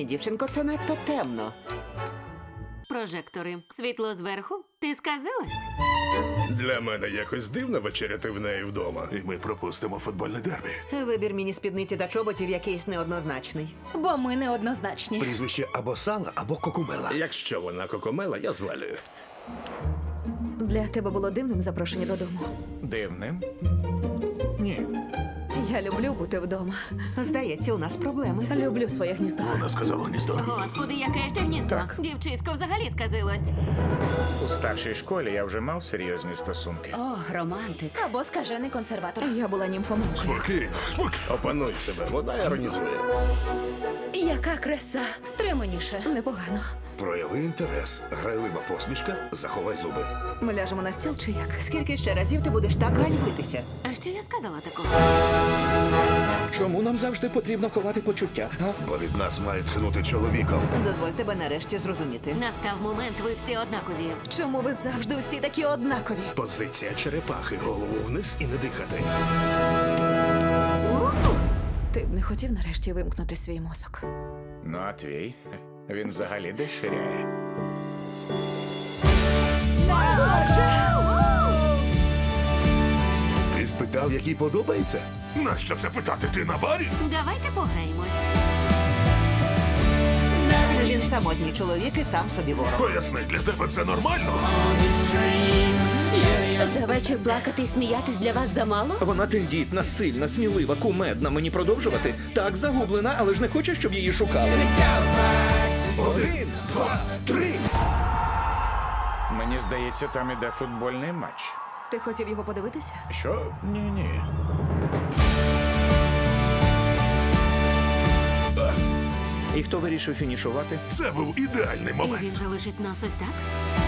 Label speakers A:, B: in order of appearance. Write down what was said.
A: Ні, дівчинко, це надто темно.
B: Прожектори. Світло зверху? Ти сказилась?
C: Для мене якось дивно вечеряти в неї вдома. І ми пропустимо футбольне дербі.
A: Вибір міні-спідниці та чоботів якийсь неоднозначний.
D: Бо ми неоднозначні.
E: Прізвище або Сала, або Кокумела.
C: Якщо вона кокомела, я звалюю.
D: Для тебе було дивним запрошення додому.
E: Дивним? Ні.
D: Я люблю бути вдома.
A: Здається, у нас проблеми.
D: Люблю своє гніздо.
C: Вона сказала гніздо.
B: Господи, яке ще гніздо. Дівчисько взагалі сказилось.
F: У старшій школі я вже мав серйозні стосунки.
B: О, романтик.
D: Або скажений консерватор. Я була німфоманкою.
C: Спокійно, спокійно. Опануй себе, вона іронізує.
D: Яка краса. Стриманіше. Непогано.
E: Прояви інтерес. Грайлива посмішка, заховай зуби.
D: Ми ляжемо на стіл чи як?
A: Скільки ще разів ти будеш так ганьбитися?
B: А що я сказала такого?
G: Чому нам завжди потрібно ховати почуття? А?
E: Бо від нас має тхнути чоловіком.
A: Дозволь тебе нарешті зрозуміти.
B: Настав момент, ви всі однакові.
D: Чому ви завжди всі такі однакові?
C: Позиція черепахи. Голову вниз і не дихати.
D: Ти б не хотів нарешті вимкнути свій мозок?
F: Ну, а твій? Він взагалі деширяє.
E: Ти спитав, який подобається?
C: Нащо це питати? Ти на барі?
B: Давайте пограємось.
A: Він самотній чоловік і сам собі ворог.
C: Поясни, для тебе це нормально?
B: За вечір плакати і сміятись для вас замало?
G: Вона тендітна, сильна, смілива, кумедна. Мені продовжувати? Так, загублена, але ж не хоче, щоб її шукали.
C: 1, 2, 3.
F: Мені здається, там іде футбольний матч.
D: Ти хотів його подивитися?
C: Що?
F: Ні-ні.
G: І хто вирішив фінішувати?
C: Це був ідеальний
B: І
C: момент.
B: він залишить нас ось так?